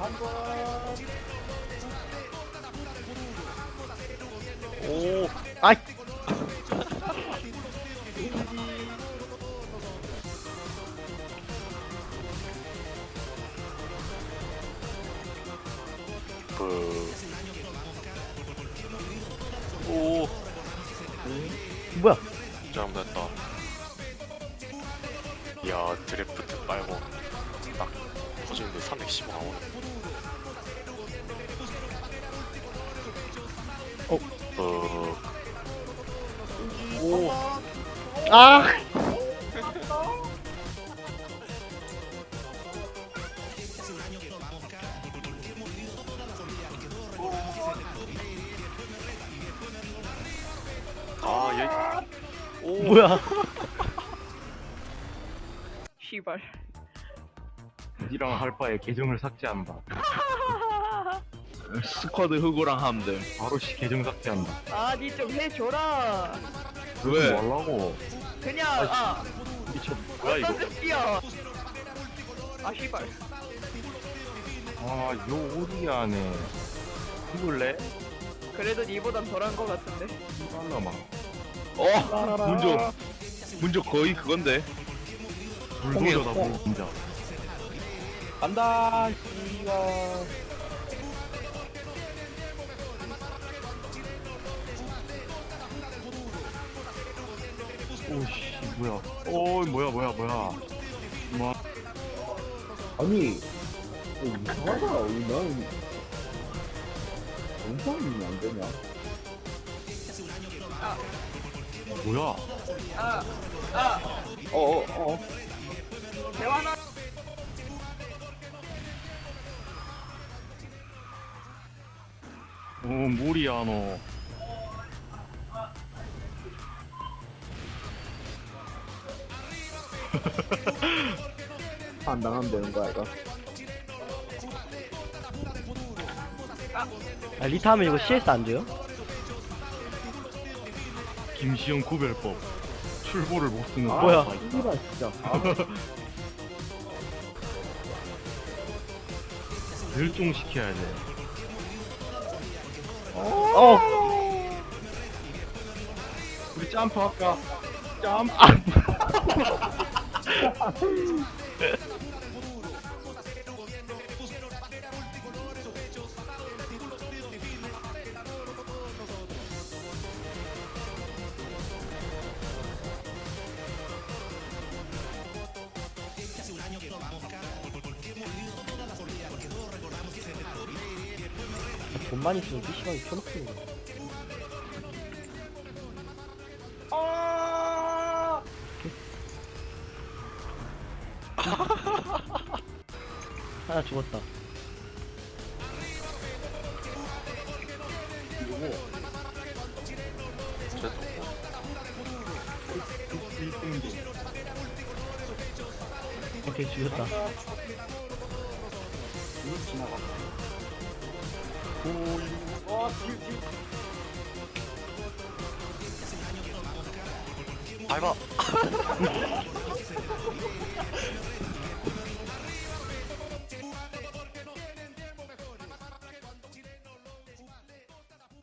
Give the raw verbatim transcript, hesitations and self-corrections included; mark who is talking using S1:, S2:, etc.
S1: 오,
S2: 아이.
S1: 그, 오,
S2: 뭐야?
S1: 잘못했다. 이야, 드래프트 빨고 딱 터지는데 삼백십오 나오네.
S2: 어.
S1: 그,
S2: 오. 아.
S1: 아, 얘, 오,
S2: 뭐야?
S3: 시발.
S4: 니랑 할 바에 계정을 삭제한다.
S5: 스쿼드 흑우랑 하면 돼.
S4: 바로 시 계정 삭제한다.
S3: 아, 니 좀 해줘라.
S5: 왜?
S4: 뭐하려고?
S3: 그냥, 아,
S4: 미쳐. 뭐야 이거?
S3: 어떤 뜻이야? 아, 시발.
S4: 아, 요 오리안에 죽을래?
S3: 그래도 니보단 덜한 거 같은데.
S4: 이발라마.
S5: 어? 문조. 문조 거의 그건데.
S4: 불도저다 뭐 진짜.
S5: 간다. 씨가.
S4: 오씨 뭐야? 오 뭐야 뭐야 뭐야? 뭐?
S6: 아니 어, 이상하다. 왜 나는 영상이 안 되냐?
S4: 뭐야?
S3: 아, 아,
S6: 어어 어.
S3: 대화나.
S4: 오 무리야 너.
S6: 안 당하면 되는 거야 이거.
S2: 아, 리타 하면 이거 씨에스 안 돼요?
S4: 김시영 구별법. 출보를 못 쓰는.
S6: 아,
S2: 뭐야?
S4: 사람이 있다.
S6: 이라 진짜. 아,
S4: 멸종시켜야 돼.
S2: 어.
S4: 우리 점프 할까? 점프.
S2: 돈만 있으면 피시방이 켜놓고. 하나 죽었다. 오케이, 죽였다.
S1: 밟아.